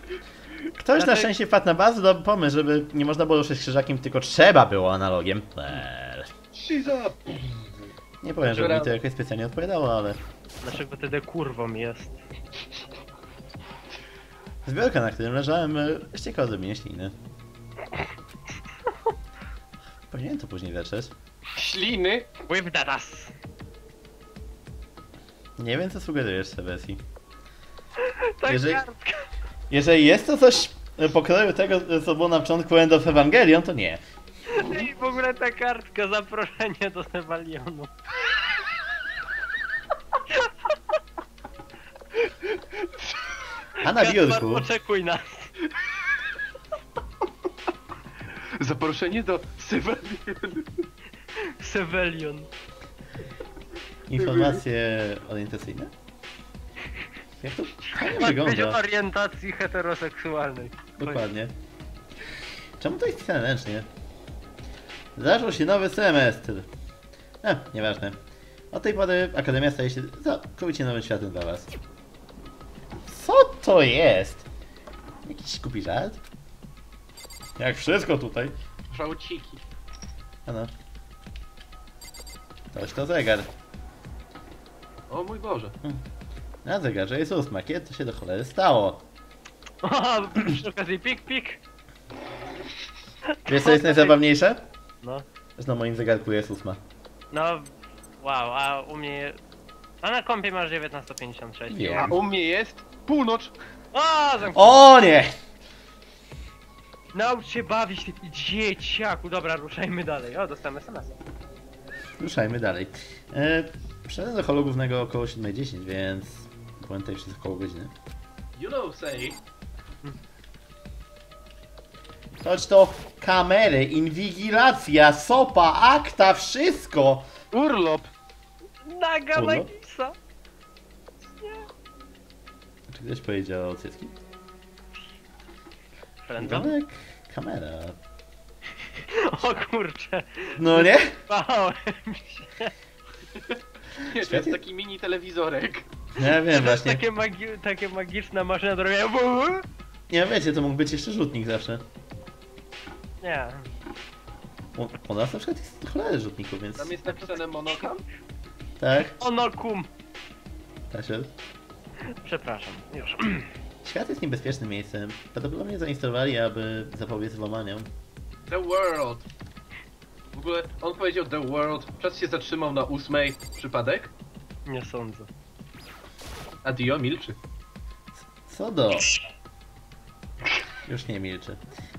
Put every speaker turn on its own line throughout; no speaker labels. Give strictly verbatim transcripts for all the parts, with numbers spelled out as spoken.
Ktoś
Znaczy...
na szczęście wpadł na bardzo dobry pomysł, żeby nie można było ruszać krzyżakiem, tylko trzeba było analogiem. Eee.
Shiza!
Nie powiem, że mi to jakoś specjalnie odpowiadało, ale...
Dlaczego wtedy kurwą jest?
Zbiorka, na którym leżałem, ściekała ze mnie śliny. Powinienem to później leczyć.
Śliny?
With that ass.
Nie wiem, co sugerujesz, Sebesi.
Tak
Jeżeli-
kartka.
Jeżeli jest to coś pokroju tego, co było na początku End of Evangelion, to nie.
I w ogóle ta kartka, zaproszenie do Nevalionu.
A na
Kaspar,
biurku...
oczekuj nas.
Zaproszenie do Sewelionu.
Sevelion.
Informacje orientacyjne? Jak to fajnie
Ma być o
wygląda?
orientacji heteroseksualnej.
Dokładnie. Czemu to jest pisane ręcznie? Zaczął się nowy semestr. E, nieważne. Od tej pory Akademia staje się całkowicie nowym światem dla was. Co to jest? Jakiś głupi żart? Jak wszystko tutaj.
Żałciki.
Ano. Toś to zegar.
O mój Boże.
Na zegarze jest ósma. Kiedy to się do cholery stało?
O, przy okazji pik pik.
Wiesz co jest najzabawniejsze?
No.
Że na moim zegarku jest ósma.
No, wow, a u mnie... A na kompie masz dziewiętnaście pięćdziesiąt sześć.
Wiem.
A u mnie jest północ.
O, zamknij.
O nie!
Naucz się bawić, ty dzieciaku. Dobra, ruszajmy dalej. O, dostałem es em es.
Ruszajmy dalej. E, Przyszedłem do holu głównego około siódma dziesięć, więc byłem tutaj przez około godziny.
You know say.
Choć to kamery, inwigilacja, sopa, akta, wszystko!
Urlop.
Naga
Olo?
Nagisa.
Czy ktoś powiedział o cycki?
Friendzone?
Wygląda jak kamera.
O kurcze.
No nie?
Bałem się.
Nie, to jest taki mini telewizorek.
Ja wiem właśnie.
Takie, magi takie magiczna maszyna do robienia.
Nie wiecie, to mógł być jeszcze rzutnik zawsze.
Nie.
U, u nas na przykład jest cholery rzutników, więc...
Tam jest napisane monokam.
Tak,
Onokum.
tak się...
Przepraszam, już.
Świat jest niebezpiecznym miejscem. Prawdopodobnie zainstalowali, aby zapobiec włamaniom.
The World. W ogóle on powiedział The World. Czas się zatrzymał na ósmej. Przypadek?
Nie sądzę.
A Dio milczy.
Co do... Już nie milczy.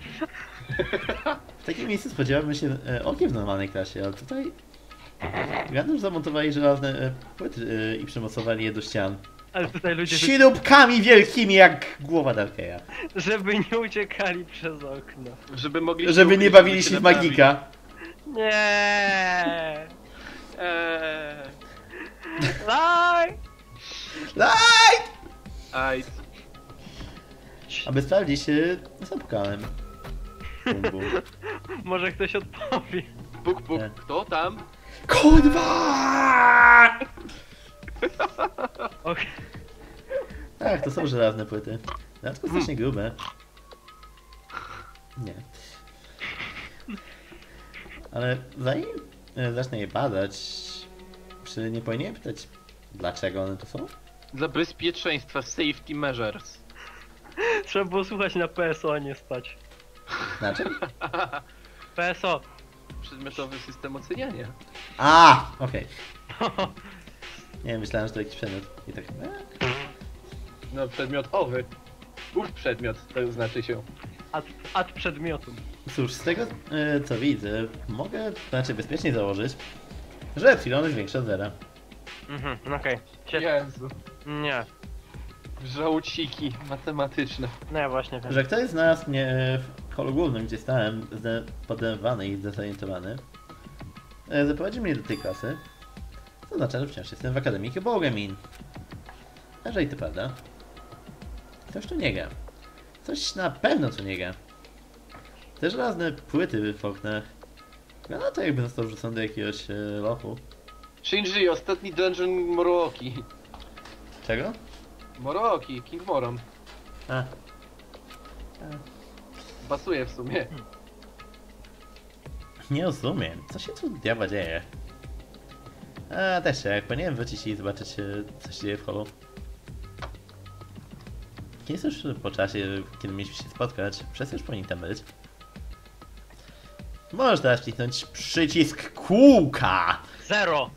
W takim miejscu spodziewamy się e, okiem w normalnej klasie, ale tutaj... Gandalf zamontowali żelazne e, płyty e, i przymocowali je do ścian.
Ale tutaj ludzie,
Śrubkami wielkimi jak głowa Darkeya.
żeby nie uciekali przez okno.
Żeby mogli...
Żeby nie bawili się w magika.
Nie.
Eee.
Laj.
Light!
Aj.
Aby sprawdzić, e, zapukałem. Bum, bum.
Może ktoś odpowie.
Puk, puk.
Nie.
Kto tam?
Kurwa!
Okej.
Tak, to są żelazne płyty. Dodatkowo strasznie grube. Nie. Ale zanim e, zacznę je badać, czy nie powinienem pytać, dlaczego one tu są?
Dla bezpieczeństwa safety measures.
Trzeba było słuchać na P S O, a nie spać.
Znaczy?
P S O.
Przedmiotowy system oceniania.
A, okej. Nie wiem, myślałem, że to jakiś przedmiot. I tak... E?
No przedmiot owy. Ów przedmiot, to znaczy się.
Ad, ad przedmiotum.
Cóż, z tego e, co widzę, mogę znaczy bezpiecznie założyć, że epsilon jest większe od zera.
Mhm, okej. Okay.
Jezu.
Nie.
Żałciki matematyczne.
No ja właśnie wiem.
Że ktoś z nas mnie w holu głównym, gdzie stałem, podenerwowany i zdezorientowany, e, zaprowadził mnie do tej klasy, co oznacza, że wciąż jestem w Akademii Bogemin. A jeżeli to prawda, ktoś tu nie gra. Coś na pewno tu nie gra. Te żelazne płyty w oknach, no to jakby został wrzucony do jakiegoś e, lochu.
Shinji, ostatni dungeon Moroki.
Czego?
Moroki, King Moron.
A,
Pasuje w sumie.
Nie rozumiem, co się tu diabła dzieje? A też jak powinienem wrócić i zobaczyć, e, co się dzieje w holu. Jest już po czasie, kiedy mieliśmy się spotkać. Przez już powinien tam być. Możesz teraz wcisnąć przycisk kółka,
Zero!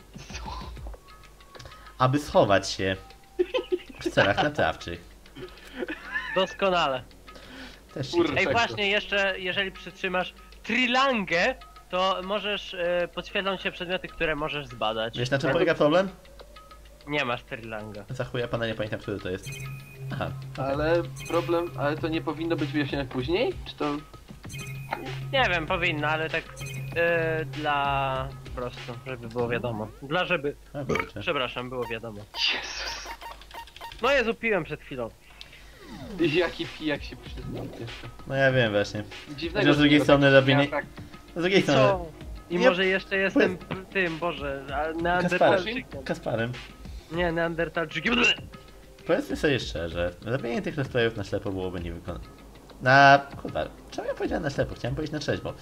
aby schować się w celach naprawczych.
Doskonale.
Też się
Kurde.
Ej,
Tak,
właśnie, jeszcze jeżeli przytrzymasz trilangę, to możesz, e, podświetlą się przedmioty, które możesz zbadać.
Wiesz, na czym polega problem?
Nie masz trilanga.
Za chuja pana nie pamiętam, który to jest. Aha.
Ale problem, ale to nie powinno być wyjaśnione później? Czy to...
Nie wiem, powinno, ale tak e, dla... po prostu, żeby było wiadomo. Dla żeby...
A, kurczę.
Przepraszam, było wiadomo.
Jezus.
No Jezu, piłem przed chwilą.
Jaki pijak się przyznał jeszcze.
No ja wiem właśnie.
Dziwnego,
Że z drugiej
że
strony
tak-
robienie-
tak-
Z drugiej
I
strony,
co? I
Nie-
może jeszcze jestem p- tym, Boże, a-
Kasparem.
neandertalczykiem.
Kasparem.
Nie, neandertalczykiem.
Powiedzmy sobie szczerze, robienie tych rozprawów na ślepo byłoby niewykonane. Na... kurwa, czemu ja powiedziałem na ślepo? Chciałem powiedzieć na trzeźwo.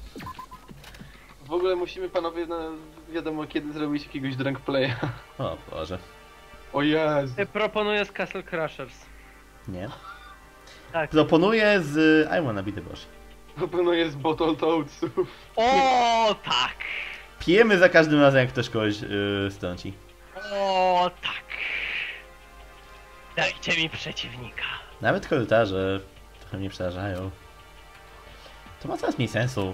W ogóle musimy panowie, no, wiadomo kiedy zrobić jakiegoś drunk playa.
O Boże.
O Jezu.
Proponuję z Castle Crushers.
Nie.
Tak.
Proponuję z I Wanna Be The Boss.
Proponuję z Bottle Toadsów.
O tak!
Pijemy za każdym razem, jak ktoś kogoś yy, strąci.
O tak! Dajcie mi przeciwnika.
Nawet korytarze trochę mnie przerażają. To ma coraz mniej sensu.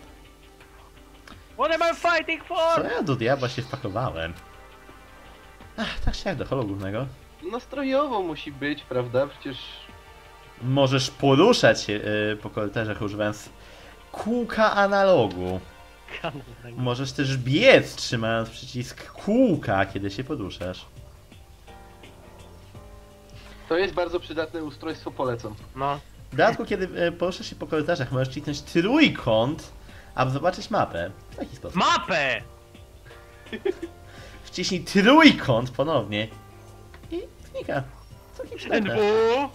What am I fighting
Co
for?
ja do diabła się wpakowałem? Ach, tak się jak do holu głównego.
Nastrojowo musi być, prawda? Przecież...
Możesz poruszać się yy, po korytarzach używając kółka analogu. Możesz też biec trzymając przycisk kółka, kiedy się poruszasz.
To jest bardzo przydatne ustrojstwo, polecam.
No.
W dodatku, kiedy e, poruszasz się po korytarzach, możesz kliknąć trójkąt, aby zobaczyć mapę. W taki sposób.
Mapę!
Wciśnij trójkąt ponownie i znika. Całkiem przydatne.
N W.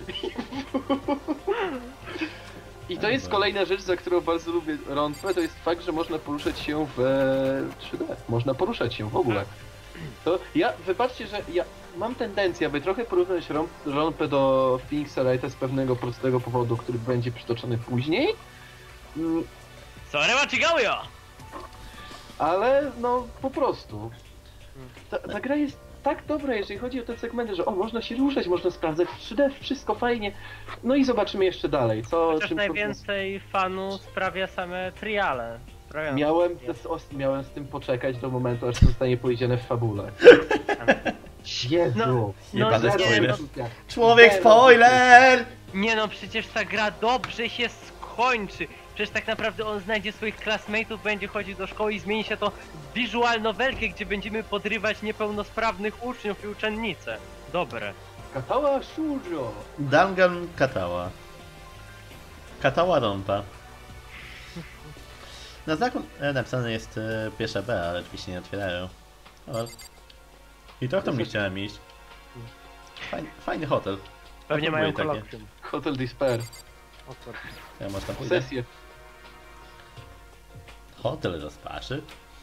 I to jest kolejna rzecz, za którą bardzo lubię rątwę, to jest fakt, że można poruszać się w e, trzy D. Można poruszać się w ogóle. To ja, wybaczcie, że ja mam tendencję, aby trochę porównać rąb, rąpę do Phoenixa Wrighta z pewnego prostego powodu, który będzie przytoczony później. Mm,
Sorry, Machigauyo!
ale no po prostu. Ta, ta gra jest tak dobra, jeżeli chodzi o te segmenty, że o, można się ruszać, można sprawdzać w trzy D, wszystko fajnie. No i zobaczymy jeszcze dalej, co...
Chociaż
czym-
najwięcej fanu sprawia same triale. Sprawiają-
Miałem, z, miałem z tym poczekać do momentu, aż zostanie powiedziane w fabule. Jezu!
No,
Jebane
no,
spoiler.
nie,
Człowiek spoiler!
Nie no, przecież ta gra dobrze się skończy. Przecież tak naprawdę on znajdzie swoich classmate'ów, będzie chodził do szkoły i zmieni się to w visual novelkę, gdzie będziemy podrywać niepełnosprawnych uczniów i uczennice. Dobre.
Katała Shoujo!
Dangan Katała. Katała Rąpa. Na znaku e, napisane jest e, pierwsza B, ale drzwi się nie otwierają. O. I to w tam nie chciałem iść. Fajny, fajny hotel.
Pewnie
A
mają
próbuję takie.
kolokwium.
Hotel Despair.
O kurde.
Ja może tam pójdę.
Sesję.
Hotel rozpaczy.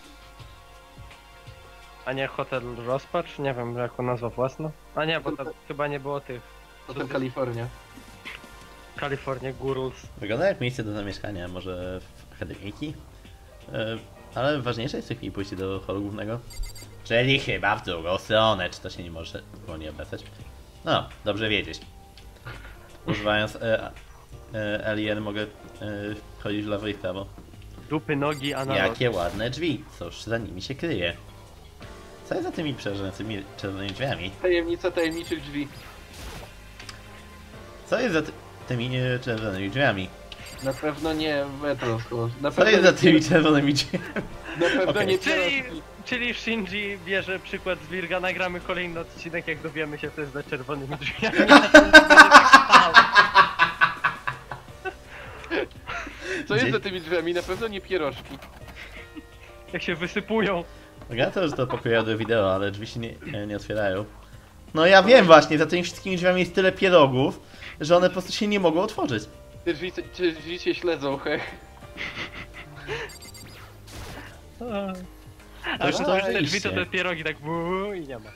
A nie Hotel Rozpacz? Nie wiem, jaką nazwa własna. A nie, bo to chyba nie było tych.
Hotel Kalifornia.
California Gurus.
Wygląda jak miejsce do zamieszkania, może w akademiki? E, ale ważniejsze jest w tej chwili pójście do holu głównego. Czyli chyba w drugą stronę, czy to się nie może wolniej obracać? No, dobrze wiedzieć. Używając e, e, Alien mogę e, chodzić w lewo i w prawo.
Dupy, nogi, analog.
Jakie ładne drzwi, cóż za nimi się kryje. Co jest za tymi przerażającymi czerwonymi drzwiami?
Tajemnica tajemniczych drzwi.
Co jest za ty tymi e, czerwonymi drzwiami?
Na pewno nie Metro. Na
Co
pewno
jest za
nie,
tymi czerwonymi drzwiami?
na pewno
Okej.
nie
Czyli,
pierogi.
czyli Shinji bierze przykład z Virga, nagramy kolejny odcinek, jak dowiemy się, co jest za czerwonymi drzwiami.
Co jest
Gdzieś-
za tymi drzwiami? Na pewno nie pierożki.
Jak się wysypują.
Ja to, że to pokoju do wideo, ale drzwi się nie, nie otwierają. No ja wiem właśnie, za tymi wszystkimi drzwiami jest tyle pierogów, że one po prostu się nie mogą otworzyć.
Te drzwi, te drzwi się śledzą, he.
A już
To
to już te
rzeczywiście.
drzwi to te pierogi tak buu, i nie ma.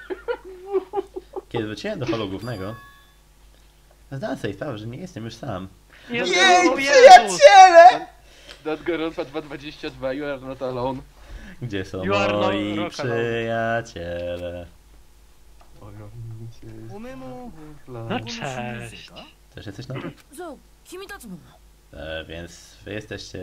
Kiedy wróciłem do holu głównego, zdałem sobie sprawę, że nie jestem już sam.
Jezu,
Jej,
Jezus!
przyjaciele!
Nadgorąca dwa dwadzieścia dwa, you are not alone.
Gdzie są
You are no
moi
rock and roll.
przyjaciele?
No cześć.
Też jesteś nowy?
そう君たちも
E, więc wy jesteście...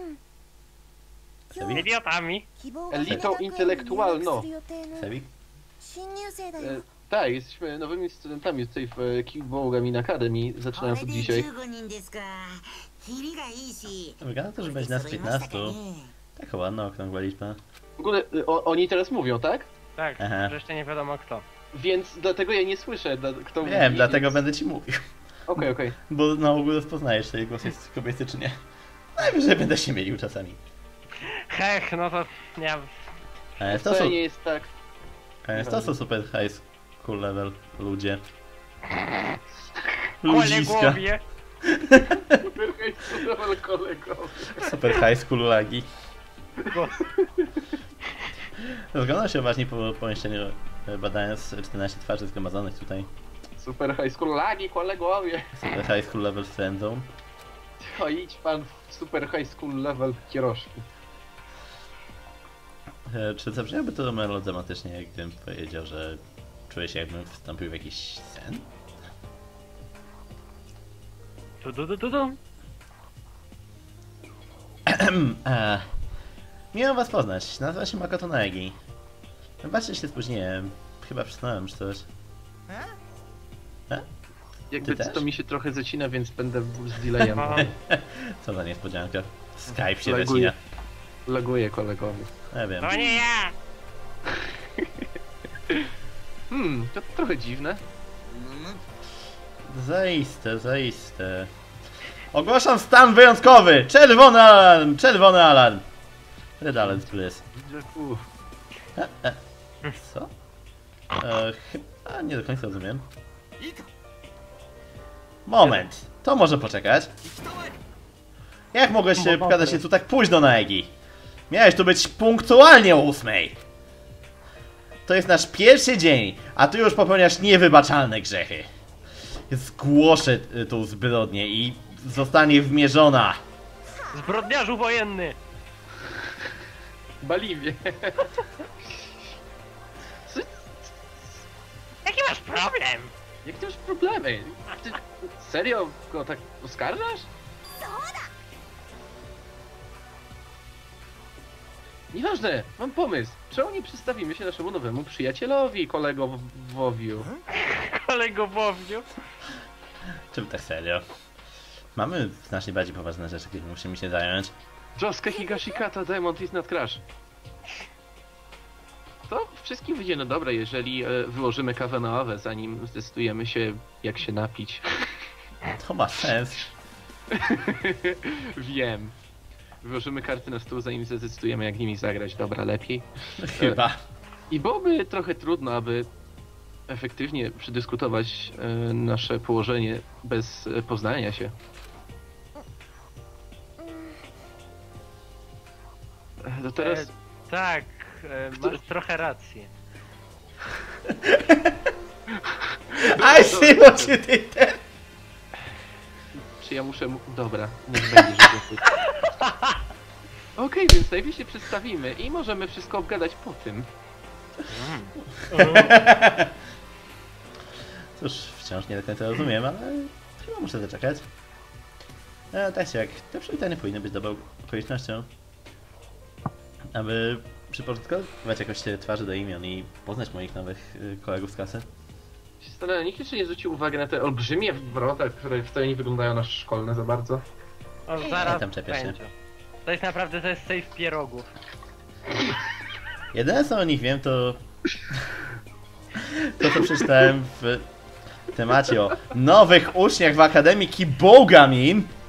今
Sebi?
日
Idiotami.
希望
Elitą intelektualną.
入学する予定の
Sebi?
新入生だ
E,
よ
tak, jesteśmy nowymi studentami tutaj w e, Kickball Gaming Academy,
こ
zaczynając
れ
od
で
dzisiaj.
じゅうごにんですかキリがいいし
Wygląda to, że
これ
będzie
で
nas
揃いましたか
piętnastu.
ね
Taka ładna, okrągła liczba.
W ogóle e, o, oni teraz mówią, tak?
Tak,
Aha.
że jeszcze nie wiadomo kto.
Więc dlatego ja nie słyszę, da, kto mówi.
Wiem, dlatego
więc...
będę ci mówił.
Okej, okej.
Bo na ogół rozpoznajesz, czy jej głos jest kobiecy, czy nie. Najwyżej będę się mylił czasami.
Hech, no to ja...
E, to,
To
są,
nie jest tak.
e, to są super high school level ludzie. Ludziska.
Kolegowie.
Kolego.
Super high school lagi.
Bo...
Rozglądam się uważnie po pomieszczeniu, e, badając czternaście twarzy zgromadzonych tutaj.
Super high school lagi, kolegowie.
Super high school level friend zone.
O, idź pan w super high school level kierożki.
E, Czy zabrzmiałoby to melodramatycznie, gdybym powiedział, że czuję się, jakbym wstąpił w jakiś sen?
Tu, tu, tu, tu, tu.
e, miło was poznać. Nazywam się Makoto Naegi. Wybaczcie, się spóźniłem. Chyba przysnąłem czy coś.
Jakby
Ty
to
też?
mi się trochę zacina, więc będę z delayem.
Aha.
Co za niespodzianka. Skype się
Laguje.
zacina.
Laguję kolegowi.
Ja wiem.
To nie ja!
Hmm, to trochę dziwne.
Zaiste, zaiste. Ogłaszam stan wyjątkowy! Czerwony alarm! Czerwony alarm! Red alert, please.
Uff.
Co? E, chyba nie do końca rozumiem. Moment, to może poczekać. Jak mogłeś się pokazać się tu tak późno na Egi? Miałeś tu być punktualnie o ósmej. To jest nasz pierwszy dzień, a ty już popełniasz niewybaczalne grzechy. Zgłoszę y, tą zbrodnię i zostanie wymierzona.
Zbrodniarzu wojenny!
Baliwie. Co?
Jaki masz problem?
Jak ty masz problemy? Ty serio go tak oskarżasz? Nieważne, mam pomysł. Czemu nie przedstawimy się naszemu nowemu przyjacielowi, kolegowowiu?
Kolegowowiu.
Czym tak serio? Mamy znacznie bardziej poważne rzeczy, którymi musimy się zająć.
Josuke Higashikata, Diamond is not crash. To wszystkim wyjdzie no dobre, jeżeli e, wyłożymy kawę na ławę, zanim zdecydujemy się, jak się napić.
To ma sens.
Wiem. Wyłożymy karty na stół, zanim zdecydujemy, jak nimi zagrać. Dobra, lepiej.
Chyba.
I byłoby trochę trudno, aby efektywnie przedyskutować e, nasze położenie bez e, poznania się. E, To teraz...
E, tak, e, masz trochę rację.
I see what you did there.
Czy ja muszę... mu- Dobra, niech będzie, że to... Okej, więc najpierw się przedstawimy i możemy wszystko obgadać po tym.
Cóż, wciąż nie do końca rozumiem, ale chyba muszę zaczekać. E, tak czy jak, te przywitania powinny być dobrą okolicznością, aby przyporządkować jakoś te twarze do imion i poznać moich nowych y, kolegów z klasy.
Się Zastanawiam, nikt jeszcze nie zwrócił uwagi na te olbrzymie wrota, które wcale nie wyglądają na szkolne za bardzo.
O, zaraz
tam czepiasz się.
będzie. To jest naprawdę, to jest safe pierogów.
Jedyne co o nich wiem to... to co przeczytałem w temacie o nowych uczniach w Akademii Kibogamin.